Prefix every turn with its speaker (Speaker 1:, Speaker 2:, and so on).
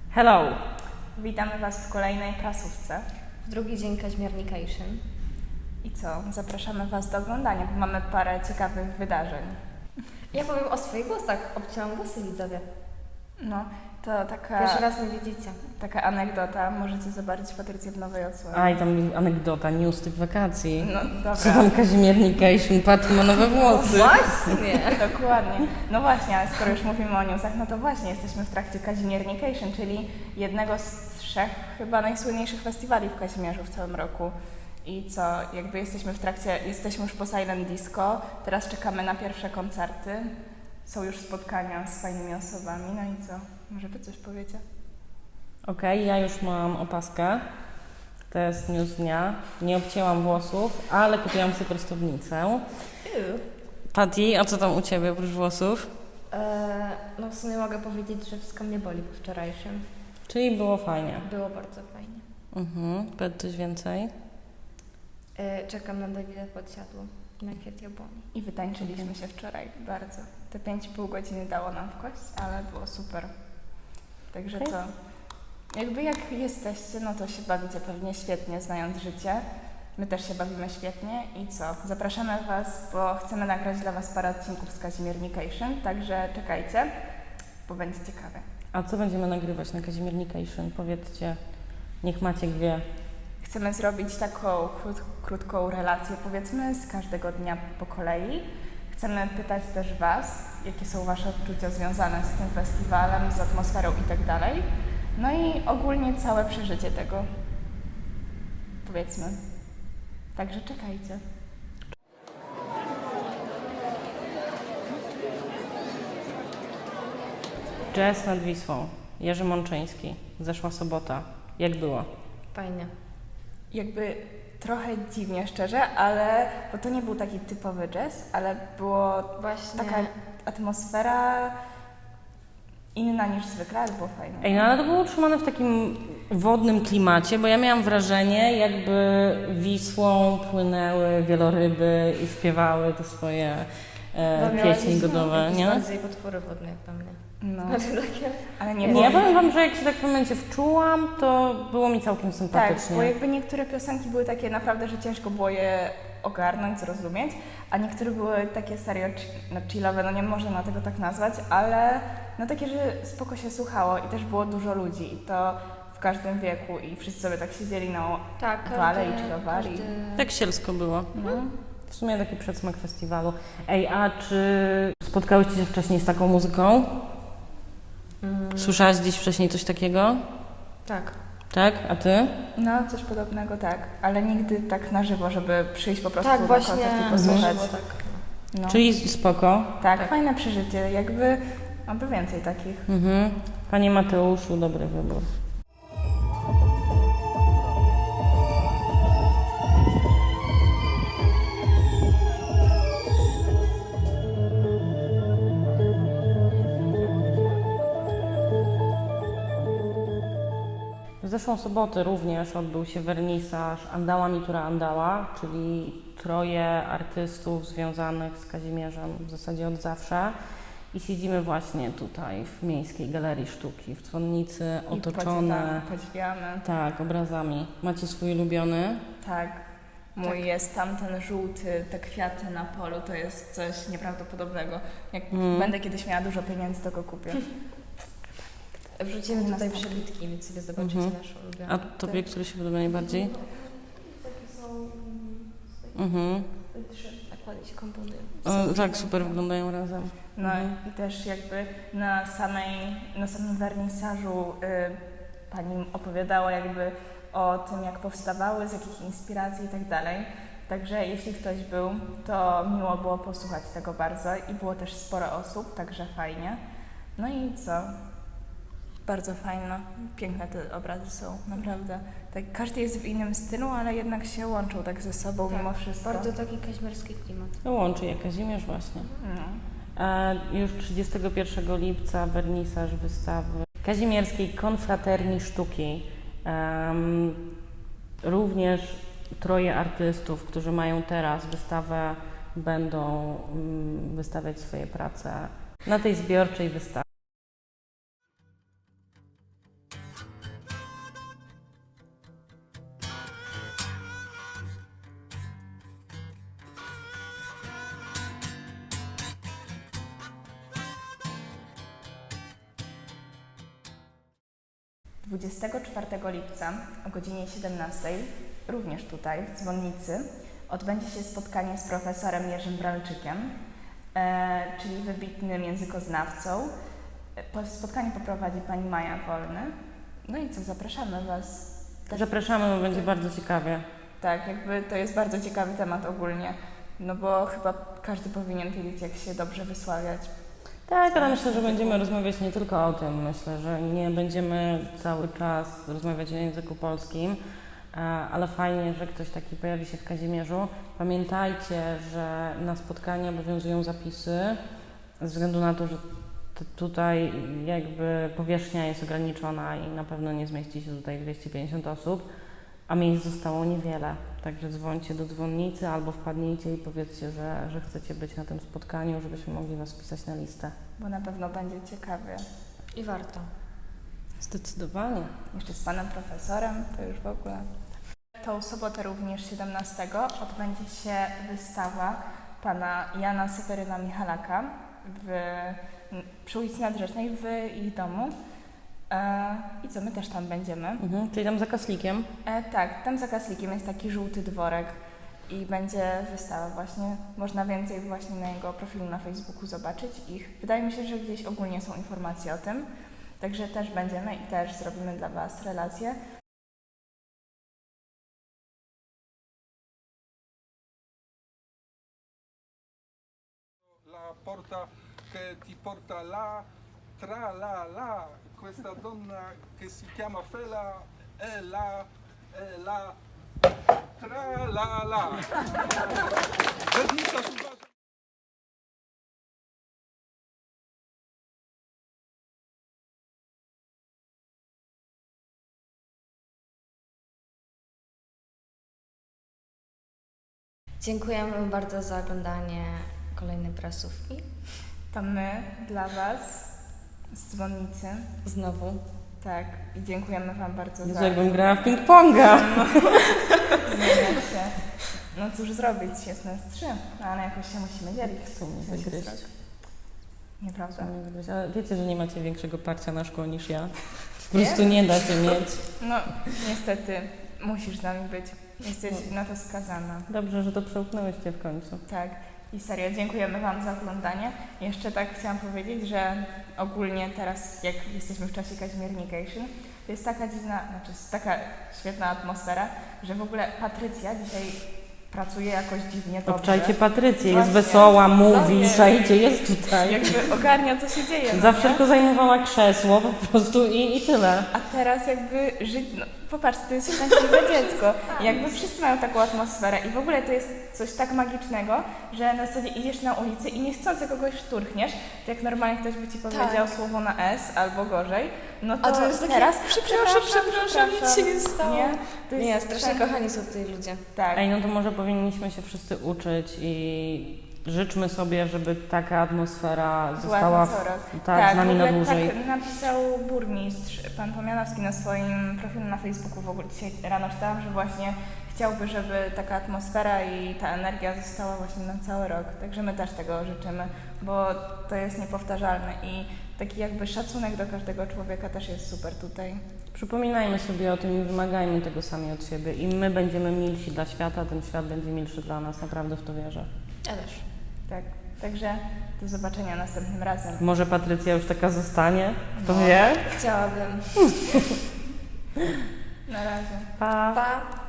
Speaker 1: Hello!
Speaker 2: Witamy Was w kolejnej prasówce.
Speaker 3: W drugi dzień Kaźmiernication.
Speaker 2: I co? Zapraszamy Was do oglądania, bo mamy parę ciekawych wydarzeń.
Speaker 3: Ja powiem o swoich głosach. Obcięłam głosy, widzowie.
Speaker 2: No, to
Speaker 3: Pierwszy raz mnie widzicie.
Speaker 2: taka anegdota. Możecie zobaczyć Patrycję w nowej odsłonie.
Speaker 1: Aj, tam anegdota, news tych wakacji.
Speaker 2: No,
Speaker 1: Co
Speaker 2: dobra.
Speaker 1: tam Kaźmiernication, Patty ma nowe włosy.
Speaker 3: Właśnie!
Speaker 2: Dokładnie. No właśnie, ale skoro już mówimy o newsach, no to właśnie jesteśmy w trakcie Kaźmiernication, czyli jednego z 3 chyba najsłynniejszych festiwali w Kazimierzu w całym roku. I co, jakby jesteśmy w trakcie, jesteśmy już po Silent Disco, teraz czekamy na pierwsze koncerty, są już spotkania z fajnymi osobami, no i co, może Wy coś powiecie?
Speaker 1: Okej, ja już mam opaskę. To jest news dnia. Nie obcięłam włosów, ale kupiłam sobie prostownicę. Patty, a co tam u Ciebie oprócz włosów?
Speaker 3: No w sumie mogę powiedzieć, że wszystko mnie boli po wczorajszym.
Speaker 1: Czyli było fajnie.
Speaker 3: Było bardzo fajnie.
Speaker 1: Powiedz coś więcej.
Speaker 3: Czekam na Dawida Podsiadło na kwiat jabłoni.
Speaker 2: I wytańczyliśmy się wczoraj bardzo. Te 5,5 godziny dało nam w kość, ale było super. Także co? Jakby jak jesteście, no to się bawicie pewnie świetnie, znając życie. My też się bawimy świetnie i co? Zapraszamy Was, bo chcemy nagrać dla Was parę odcinków z Kaźmiernication, także czekajcie, bo będzie ciekawe.
Speaker 1: A co będziemy nagrywać na Kaźmiernication? Powiedzcie, niech Maciek wie.
Speaker 2: Chcemy zrobić taką krótką relację, powiedzmy, z każdego dnia po kolei. Chcemy pytać też Was, jakie są Wasze odczucia związane z tym festiwalem, z atmosferą i tak dalej. No i ogólnie całe przeżycie tego, powiedzmy. Także czekajcie.
Speaker 1: Jazz nad Wisłą. Jerzy Mączyński. Zeszła sobota. Jak było?
Speaker 3: Fajnie.
Speaker 2: Jakby trochę dziwnie, szczerze, ale bo to nie był taki typowy jazz, ale było
Speaker 3: Właśnie.
Speaker 2: taka atmosfera inna niż zwykle, ale było fajne.
Speaker 1: Ej, no ale to było utrzymane w takim wodnym klimacie, bo ja miałam wrażenie, jakby Wisłą płynęły wieloryby i śpiewały te swoje pieśni godowe, nie?
Speaker 3: Bardziej potwory wodne jak dla mnie.
Speaker 2: No,
Speaker 3: Znaczy takie...
Speaker 2: ale nie
Speaker 1: Nie,
Speaker 2: było.
Speaker 1: ja powiem Wam, że jak się tak w momencie wczułam, to było mi całkiem
Speaker 2: Tak,
Speaker 1: sympatycznie.
Speaker 2: bo jakby niektóre piosenki były takie naprawdę, że ciężko było je ogarnąć, zrozumieć, a niektóre były takie serio chillowe, no nie można tego tak nazwać, ale no takie, że spoko się słuchało i też było dużo ludzi i to w każdym wieku i wszyscy sobie tak siedzieli na
Speaker 3: Tak,
Speaker 2: wale i chillowali.
Speaker 1: Tak sielsko było.
Speaker 2: No.
Speaker 1: W sumie taki przedsmak festiwalu. Ej, a czy spotkałyście się wcześniej z taką muzyką? Słyszałaś gdzieś wcześniej coś takiego?
Speaker 3: Tak.
Speaker 1: Tak? A Ty?
Speaker 2: No, coś podobnego, tak, ale nigdy tak na żywo, żeby przyjść po prostu
Speaker 3: Tak,
Speaker 2: na
Speaker 3: właśnie.
Speaker 2: koncert i posłuchać.
Speaker 3: Było tak.
Speaker 2: No.
Speaker 1: Czyli spoko.
Speaker 2: Tak,
Speaker 3: Tak.
Speaker 2: fajne przeżycie, jakby, aby więcej takich.
Speaker 1: Panie Mateuszu, dobry wybór. W zeszłą sobotę również odbył się wernisaż Andała Mitura Andała, czyli 3 artystów związanych z Kazimierzem w zasadzie od zawsze. I siedzimy właśnie tutaj w Miejskiej Galerii Sztuki, w dzwonnicy,
Speaker 2: I
Speaker 1: otoczone
Speaker 2: podziwiamy.
Speaker 1: tak, obrazami. Macie swój ulubiony?
Speaker 2: Tak. Mój jest tamten żółty, te kwiaty na polu, to jest coś nieprawdopodobnego. Jak będę kiedyś miała dużo pieniędzy, to go kupię.
Speaker 3: Wrzucimy tutaj przebitki, więc sobie zobaczycie nasz ulubiony.
Speaker 1: A Tobie, który się podoba najbardziej?
Speaker 3: Takie są... Trzy nakłady się komponują.
Speaker 1: O, tak, super wyglądają razem.
Speaker 2: No i też jakby na samym wernisażu pani opowiadała jakby o tym, jak powstawały, z jakich inspiracji i tak dalej. Także jeśli ktoś był, to miło było posłuchać tego bardzo i było też sporo osób, także fajnie. No i co? Bardzo fajne, piękne te obrazy są, naprawdę. Tak, każdy jest w innym stylu, ale jednak się łączą tak ze sobą
Speaker 3: Tak,
Speaker 2: mimo wszystko.
Speaker 3: Bardzo taki kaźmierski klimat.
Speaker 1: To łączy je Kazimierz właśnie.
Speaker 2: No.
Speaker 1: A już 31 lipca wernisaż wystawy Kazimierskiej Konfraterni Sztuki. Również 3 artystów, którzy mają teraz wystawę, będą wystawiać swoje prace na tej zbiorczej wystawie.
Speaker 2: 24 lipca o godzinie 17, również tutaj w dzwonnicy, odbędzie się spotkanie z profesorem Jerzym Bralczykiem, czyli wybitnym językoznawcą. Spotkanie poprowadzi pani Maja Wolny. No i co, zapraszamy Was.
Speaker 1: Zapraszamy, bo będzie bardzo ciekawie.
Speaker 2: Tak, jakby to jest bardzo ciekawy temat ogólnie, no bo chyba każdy powinien wiedzieć, jak się dobrze wysławiać.
Speaker 1: Tak, ale myślę, że będziemy rozmawiać nie tylko o tym. Myślę, że nie będziemy cały czas rozmawiać o języku polskim, ale fajnie, że ktoś taki pojawi się w Kazimierzu. Pamiętajcie, że na spotkanie obowiązują zapisy, ze względu na to, że tutaj jakby powierzchnia jest ograniczona i na pewno nie zmieści się tutaj 250 osób, a miejsc zostało niewiele. Także dzwońcie do dzwonnicy albo wpadnijcie i powiedzcie, że chcecie być na tym spotkaniu, żebyśmy mogli Was wpisać na listę.
Speaker 2: Bo na pewno będzie ciekawie.
Speaker 3: I warto.
Speaker 1: Zdecydowanie.
Speaker 2: Jeszcze z panem profesorem, to już w ogóle. Tą sobotę również 17 odbędzie się wystawa pana Jana Seweryna Michalaka przy ulicy Nadrzecznej w ich domu. I co, my też tam będziemy.
Speaker 1: Czyli tam za Kaslikiem.
Speaker 2: Tak, tam za Kaslikiem jest taki żółty dworek i będzie wystawa właśnie. Można więcej właśnie na jego profilu na Facebooku zobaczyć ich. Wydaje mi się, że gdzieś ogólnie są informacje o tym. Także też będziemy i też zrobimy dla Was relacje.
Speaker 4: La porta che ti porta là, tra la, questa donna che si chiama Fela è la, tra la. Vernisarz uważa.
Speaker 3: Dziękujemy Wam bardzo za oglądanie kolejnej prasówki.
Speaker 2: To my dla Was z dzwonnicy.
Speaker 3: Znowu.
Speaker 2: Tak, i dziękujemy Wam bardzo
Speaker 1: Jezu,
Speaker 2: za...
Speaker 1: jakbym grała w ping-ponga.
Speaker 2: Zmieniać się. No cóż zrobić, jest nas 3, ale jakoś się musimy dzielić.
Speaker 1: Chcą mnie
Speaker 2: Co się
Speaker 1: wygryźć.
Speaker 2: zrobi? Nieprawda.
Speaker 1: Chcą mnie wygryźć. Ale wiecie, że nie macie większego parcia na szkło niż ja. Po prostu nie da się mieć.
Speaker 2: No niestety musisz z nami być. Jesteś na to skazana.
Speaker 1: Dobrze, że to przełknęłyście w końcu.
Speaker 2: Tak. I serio, dziękujemy Wam za oglądanie. Jeszcze tak chciałam powiedzieć, że ogólnie teraz, jak jesteśmy w czasie Kazimiernication, to jest taka dziwna, znaczy jest taka świetna atmosfera, że w ogóle Patrycja dzisiaj pracuje jakoś dziwnie dobrze.
Speaker 1: Obczajcie Patrycję, jest
Speaker 2: Właśnie.
Speaker 1: wesoła, mówi,
Speaker 2: jest?
Speaker 1: szajcie, jest tutaj.
Speaker 2: Jakby ogarnia, co się dzieje. no
Speaker 1: Zawsze
Speaker 2: nie?
Speaker 1: tylko zajmowała krzesło po prostu i tyle.
Speaker 2: A teraz jakby żyć, no popatrzcie, to jest szczęśliwe dziecko. I jakby wszyscy mają taką atmosferę i w ogóle to jest coś tak magicznego, że na zasadzie idziesz na ulicy i niechcący kogoś szturchniesz, to jak normalnie ktoś by Ci powiedział słowo na S albo gorzej, no to,
Speaker 3: A to jest takie,
Speaker 2: teraz
Speaker 3: przepraszam, nic się nie stało.
Speaker 2: Nie, to jest
Speaker 3: Nie, strasznie kochani są tutaj ludzie.
Speaker 2: Tak.
Speaker 1: Ej, no to może powinniśmy się wszyscy uczyć i życzmy sobie, żeby taka atmosfera została
Speaker 2: co rok.
Speaker 1: z nami
Speaker 2: w
Speaker 1: na
Speaker 2: ogóle
Speaker 1: dłużej.
Speaker 2: Tak napisał burmistrz, pan Pomianowski na swoim profilu na Facebooku. W ogóle dzisiaj rano czytałam, że właśnie chciałby, żeby taka atmosfera i ta energia została właśnie na cały rok. Także my też tego życzymy, bo to jest niepowtarzalne i taki jakby szacunek do każdego człowieka też jest super tutaj.
Speaker 1: Przypominajmy sobie o tym i wymagajmy tego sami od siebie. Im my będziemy milsi dla świata, tym świat będzie milszy dla nas. Naprawdę w to wierzę.
Speaker 3: Ja też.
Speaker 2: Tak, także do zobaczenia następnym razem.
Speaker 1: Może Patrycja już taka zostanie? Kto wie?
Speaker 3: Chciałabym.
Speaker 2: Na razie.
Speaker 1: Pa!
Speaker 3: Pa!